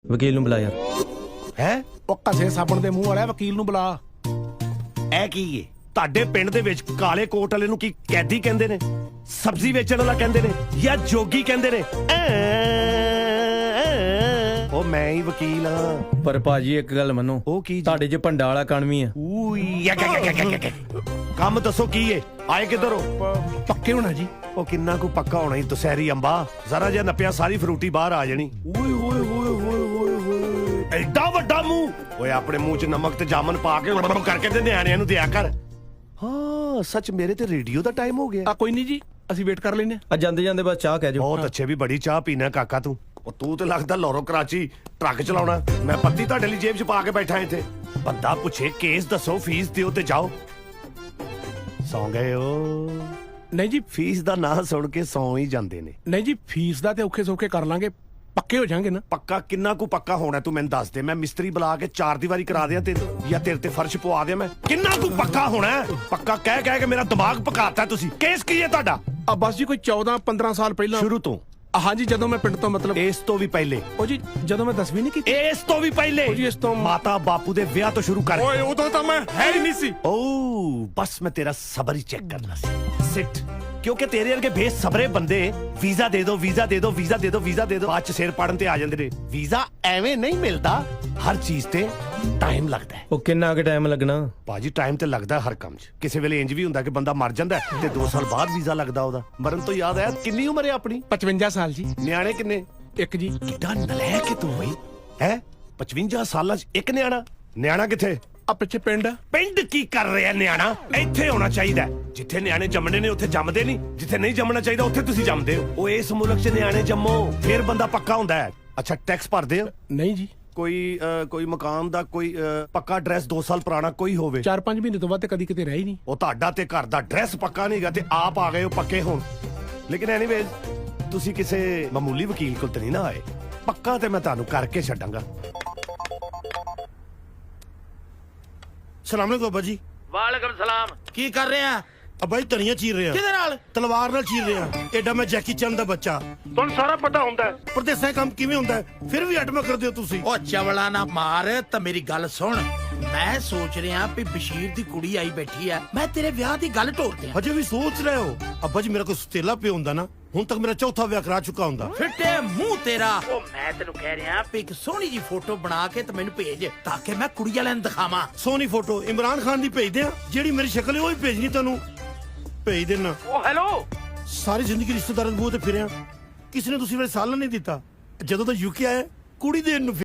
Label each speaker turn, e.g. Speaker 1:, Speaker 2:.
Speaker 1: ਵਕੀਲ ਨੂੰ ਬੁਲਾ ਯਾਰ।
Speaker 2: ਹੈ
Speaker 3: ਉਹ ਘਸੇ ਸਾਬਣ ਦੇ ਮੂੰਹ ਵਾਲਾ ਵਕੀਲ ਨੂੰ ਬੁਲਾ।
Speaker 2: ਇਹ ਕੀ ਏ? ਤੁਹਾਡੇ ਪਿੰਡ ਦੇ ਵਿੱਚ ਕਾਲੇ ਕੋਟ ਵਾਲੇ ਨੂੰ ਕੀ ਕੈਦੀ ਕਹਿੰਦੇ ਨੇ, ਸਬਜ਼ੀ ਵੇਚਣ ਵਾਲਾ ਕਹਿੰਦੇ ਨੇ, ਜਾਂ ਜੋਗੀ ਕਹਿੰਦੇ ਨੇ? ਉਹ ਮੈਂ ਹੀ ਵਕੀਲ ਹਾਂ।
Speaker 1: ਪਰ ਭਾਜੀ ਇੱਕ ਗੱਲ ਮੰਨੋ,
Speaker 2: ਉਹ ਕੀ ਜੀ?
Speaker 1: ਤੁਹਾਡੇ 'ਚ ਭੰਡਾ ਵਾਲਾ ਕਣ ਵੀ ਆ।
Speaker 2: ਕੰਮ ਦੱਸੋ ਕੀ ਏ? ਆਏ ਕਿੱਧਰ ਹੋ?
Speaker 3: ਪੱਕੇ ਹੋਣਾ ਜੀ।
Speaker 2: ਉਹ ਕਿੰਨਾ ਕੁ ਪੱਕਾ ਹੋਣਾ ਈ ਦੁਸਹਿਰੀ ਅੰਬਾ, ਜ਼ਰਾ ਜਿਹਾ ਨੱਪਿਆ ਸਾਰੀ ਫਰੂਟੀ ਬਾਹਰ ਆ ਜਾਣੀ। ਓਏ ਹੋਏ ਹੋਏ ਹੋਏ ਹੋਏ ਹੋਏ, ਐਡਾ ਵੱਡਾ ਮੂੰਹ। ਓਏ ਆਪਣੇ ਮੂੰਹ 'ਚ ਨਮਕ ਤੇ ਜਾਮਨ ਪਾ ਕੇ ਕਰਕੇ ਤੇ ਨਿਆਣਿਆਂ ਨੂੰ ਦਿਆ ਕਰ। ਹਾਂ ਸੱਚ, ਮੇਰੇ ਤੇ ਰੇਡੀਓ ਦਾ ਟਾਈਮ ਹੋ ਗਿਆ।
Speaker 3: ਆ ਕੋਈ ਨਹੀਂ ਜੀ, ਅਸੀਂ ਵੇਟ ਕਰ ਲੈਨੇ।
Speaker 1: ਆ ਜਾਂਦੇ ਜਾਂਦੇ ਬਸ ਚਾਹ ਕਹਿ ਜਾਓ।
Speaker 2: ਬਹੁਤ ਅੱਛੇ, ਵੀ ਬੜੀ ਚਾਹ ਪੀਣਾ ਕਾਕਾ ਤੂੰ। ਉਹ ਤੂੰ ਤੇ ਲੱਗਦਾ ਲਾਹੌਰੋਂ ਕਰਾਚੀ ਟਰੱਕ ਚਲਾਉਣਾ। ਮੈਂ ਪੱਤੀ ਤੁਹਾਡੇ ਲਈ ਜੇਬ 'ਚ ਪਾ ਕੇ ਬੈਠਾ ਇੱਥੇ। ਬੰਦਾ ਪੁੱਛੇ ਕੇਸ ਦੱਸੋ, ਫੀਸ ਦਿਓ ਤੇ ਜਾਓ। ਸੌਂ ਗਏ ਹੋ?
Speaker 3: ਨਹੀਂ ਜੀ,
Speaker 2: ਫੀਸ ਦਾ ਨਾਂ ਸੁਣ ਕੇ ਸੌਂ ਹੀ ਜਾਂਦੇ ਨੇ।
Speaker 3: ਨਹੀਂ ਜੀ, ਫੀਸ ਦਾ ਤੇ ਔਖੇ ਸੌਖੇ ਕਰ ਲਾਂਗੇ, ਪੱਕੇ ਹੋ ਜਾਾਂਗੇ ਨਾ।
Speaker 2: ਪੱਕਾ ਕਿੰਨਾ ਕੁ ਪੱਕਾ ਹੋਣਾ ਤੂੰ ਮੈਨੂੰ ਦੱਸ ਦੇ। ਮੈਂ ਮਿਸਤਰੀ ਬੁਲਾ ਕੇ 4 ਦੀਵਾਰੀ ਕਰਾ ਦਿਆਂ ਤੈਨੂੰ, ਜਾਂ ਤੇਰੇ ਤੇ ਫਰਸ਼ ਪਵਾ ਦਿਆਂ ਮੈਂ? ਕਿੰਨਾ ਕੁ ਪੱਕਾ ਹੋਣਾ? ਪੱਕਾ ਕਹਿ ਕਹਿ ਕੇ ਮੇਰਾ ਦਿਮਾਗ ਪਕਾਤਾ ਤੁਸੀਂ। ਕੇਸ ਕੀ ਹੈ ਤੁਹਾਡਾ?
Speaker 3: ਆ ਬਸ ਜੀ ਕੋਈ 14-15 ਸਾਲ ਪਹਿਲਾਂ।
Speaker 2: ਸ਼ੁਰੂ ਤੋਂ?
Speaker 3: ਹਾਂਜੀ, ਜਦੋਂ ਮੈਂ ਪਿੰਡ ਤੋਂ ਮਤਲਬ
Speaker 2: ਇਸ ਤੋਂ ਵੀ ਪਹਿਲੇ?
Speaker 3: ਉਹ ਜੀ ਜਦੋਂ ਮੈਂ 10ਵੀਂ ਨਹੀਂ ਕੀਤੀ।
Speaker 2: ਇਸ ਤੋਂ ਵੀ ਪਹਿਲੇ?
Speaker 3: ਉਹ ਜੀ ਇਸ ਤੋਂ
Speaker 2: ਮਾਤਾ ਬਾਪੂ ਦੇ ਵਿਆਹ ਤੋਂ ਸ਼ੁਰੂ ਕਰ।
Speaker 3: ਓਏ ਉਦੋਂ ਤਾਂ ਮੈਂ ਹੈ ਹੀ ਨਹੀਂ ਸੀ।
Speaker 2: ਓ ਬਸ ਮੈਂ ਤੇਰਾ ਸਬਰ ਹੀ ਚੈੱਕ ਕਰਨਾ ਸੀ। ਸਿੱਟ। ਕਿਉਂਕਿ ਤੇਰੇ ਵਰਗੇ ਬੇਸਬਰੇ ਬੰਦੇ ਵੀਜ਼ਾ ਦੇ ਦਿਓ, ਵੀਜ਼ਾ ਦੇ ਦਿਓ, ਵੀਜ਼ਾ ਦੇ ਦਿਓ, ਵੀਜ਼ਾ ਦੇ ਦਿਓ, ਬਾਅਦ ਚ ਸਿਰ ਪਾੜਨ ਤੇ ਆ ਜਾਂਦੇ ਨੇ। ਵੀਜ਼ਾ ਐਵੇਂ ਨਹੀਂ ਮਿਲਦਾ, ਹਰ ਚੀਜ਼ ਤੇ ਟਾਈਮ ਲੱਗਦਾ ਹੈ।
Speaker 1: ਉਹ ਕਿੰਨਾ ਕੁ ਟਾਈਮ ਲੱਗਣਾ
Speaker 2: ਬਾਜੀ? ਟਾਈਮ ਤੇ ਲੱਗਦਾ ਹਰ ਕੰਮ 'ਚ। ਕਿਸੇ ਵੇਲੇ ਇੰਜ ਵੀ ਹੁੰਦਾ ਕਿ ਬੰਦਾ ਮਰ ਜਾਂਦਾ ਤੇ 2 ਸਾਲ ਬਾਅਦ ਵੀਜ਼ਾ ਲੱਗਦਾ ਉਹਦਾ। ਮਰਨ ਤੋਂ ਯਾਦ ਆਇਆ, ਕਿੰਨੀ ਉਮਰ ਹੈ ਆਪਣੀ?
Speaker 3: 55 ਸਾਲ ਜੀ।
Speaker 2: ਨਿਆਣੇ ਕਿੰਨੇ?
Speaker 3: ਇੱਕ ਜੀ।
Speaker 2: ਕਿੱਡਾ ਨਲਾਇਕ ਤੂੰ ਬਈ ਹੈ। 55 ਸਾਲਾਂ 'ਚ ਇੱਕ ਨਿਆਣਾ? ਨਿਆਣਾ ਕਿੱਥੇ?
Speaker 3: ਆ ਪਿੱਛੇ ਪਿੰਡ।
Speaker 2: ਪਿੰਡ ਕੀ ਕਰ ਰਿਹਾ ਨਿਆਣਾ? ਇੱਥੇ ਹੋਣਾ ਚਾਹੀਦਾ। ਜਿੱਥੇ ਨਿਆਣੇ ਜੰਮਣੇ ਨੇ ਉੱਥੇ ਜੰਮਦੇ ਨਹੀਂ, ਜਿੱਥੇ ਨਹੀਂ ਜੰਮਣਾ ਚਾਹੀਦਾ ਉੱਥੇ ਤੁਸੀਂ ਜੰਮਦੇ ਹੋ। ਉਹ ਇਸ ਮੁਲਕ 'ਚ ਨਿਆਣੇ ਜੰਮੋ, ਫਿਰ ਬੰਦਾ ਪੱਕਾ ਹੁੰਦਾ ਹੈ। ਅੱਛਾ, ਟੈਕਸ ਭਰਦੇ ਹੋ?
Speaker 3: ਨਹੀਂ ਜੀ।
Speaker 2: ਕੋਈ ਮਕਾਨ ਦਾ ਕੋਈ ਪੱਕਾ ਐਡਰੈਸ 2 ਸਾਲ ਪੁਰਾਣਾ ਕੋਈ ਹੋਵੇ?
Speaker 3: 4-5 ਮਹੀਨੇ ਤੋਂ ਬਾਅਦ ਤੇ ਕਦੀ ਕਿਤੇ ਰਹਿ ਹੀ ਨਹੀਂ।
Speaker 2: ਉਹ ਤੁਹਾਡਾ ਤੇ ਘਰ ਦਾ ਐਡਰੈਸ ਪੱਕਾ ਨਹੀਂਗਾ ਤੇ ਆਪ ਆ ਗਏ ਹੋ ਪੱਕੇ ਹੋਣ। ਲੇਕਿਨ ਐਨੀਵੇਜ਼, ਤੁਸੀਂ ਕਿਸੇ ਮਾਮੂਲੀ ਵਕੀਲ ਕੋਲ ਤੇ ਨਹੀਂ ਨਾ ਆਏ। ਪੱਕਾ ਤੇ ਮੈਂ ਤੁਹਾਨੂੰ ਕਰਕੇ ਛੱਡਾਂਗਾ।
Speaker 4: ਸਲਾਮ ਅਲੈਕੁਮ ਅੱਬਾ ਜੀ।
Speaker 5: ਵਾਲੇਕਮ ਸਲਾਮ। ਕੀ ਕਰ ਰਹੇ ਆ?
Speaker 4: ਅੱਬਾ ਜੀ ਧਨੀਆ ਚੀਰ ਰਿਹਾ।
Speaker 5: ਕਿਹਦੇ ਨਾਲ?
Speaker 4: ਤਲਵਾਰ ਨਾਲ ਚੀਰ ਰਿਹਾ। ਐਡਾ ਮੈਂ ਜੈਕੀ ਚੰਨ ਦਾ ਬੱਚਾ।
Speaker 2: ਤੁਹਾਨੂੰ ਸਾਰਾ ਪਤਾ ਹੁੰਦਾ ਹੈ
Speaker 4: ਪਰਦੇਸਾਂ ਕੰਮ ਕਿਵੇਂ ਹੁੰਦਾ ਹੈ, ਫਿਰ ਵੀ ਅਟਮਾ ਕਰਦੇ ਹੋ ਤੁਸੀਂ।
Speaker 5: ਉਹ ਚਵਲਾ ਨਾ ਮਾਰ, ਤਾਂ ਮੇਰੀ ਗੱਲ ਸੁਣ। ਮੈਂ ਸੋਚ ਰਿਹਾ ਵੀ ਬਸ਼ੀਰ ਦੀ ਕੁੜੀ ਆਈ ਬੈਠੀ ਆ, ਮੈਂ ਤੇਰੇ ਵਿਆਹ ਦੀ ਗੱਲ ਢੋਲ ਦਿਆਂ।
Speaker 4: ਹਜੇ ਵੀ ਸੋਚ ਰਹੇ ਹੋ? ਅੱਬਾ ਜੀ ਮੇਰਾ ਕੋਈ ਸੁਤੇਲਾ ਪਿਓ ਹੁੰਦਾ ਨਾ, ਹੁਣ ਤੱਕ ਮੇਰਾ ਚੌਥਾ ਵਿਆਹ ਕਰਾ ਚੁੱਕਾ ਹੁੰਦਾ।
Speaker 5: ਫਿੱਟੇ ਮੂੰਹ ਤੇਰਾ। ਉਹ ਮੈਂ ਤੈਨੂੰ ਕਹਿ ਰਿਹਾ ਵੀ ਇੱਕ ਸੋਹਣੀ ਜੀ ਫੋਟੋ ਬਣਾ ਕੇ ਤੇ ਮੈਨੂੰ ਭੇਜ, ਤਾਂ ਕਿ ਮੈਂ ਕੁੜੀ ਵਾਲਿਆਂ ਨੂੰ ਦਿਖਾਵਾਂ।
Speaker 4: ਸੋਹਣੀ ਫੋਟੋ ਇਮਰਾਨ ਖਾਨ ਦੀ ਭੇਜ ਦਿਆਂ? ਜਿਹੜੀ ਮੇਰੀ ਸ਼ਕਲ ਹੈ ਉਹ ਹੀ ਭੇਜਣੀ ਤੁਹਾਨੂੰ। ਭੇਜ ਦੇਣਾ।
Speaker 5: ਉਹ ਹੈਲੋ।
Speaker 4: ਸਾਰੀ ਜ਼ਿੰਦਗੀ ਰਿਸ਼ਤੇਦਾਰਾਂ ਦੇ ਮੂੰਹ ਤੇ ਫਿਰਿਆ, ਕਿਸੇ ਨੇ ਤੁਸੀਂ ਵੇਲੇ ਸਾਲਨ ਨਹੀਂ ਦਿੱਤਾ। ਜਦੋਂ ਤਾਂ ਯੂਕੇ ਆਇਆ ਕੁੜੀ ਦੇਣ ਨੂੰ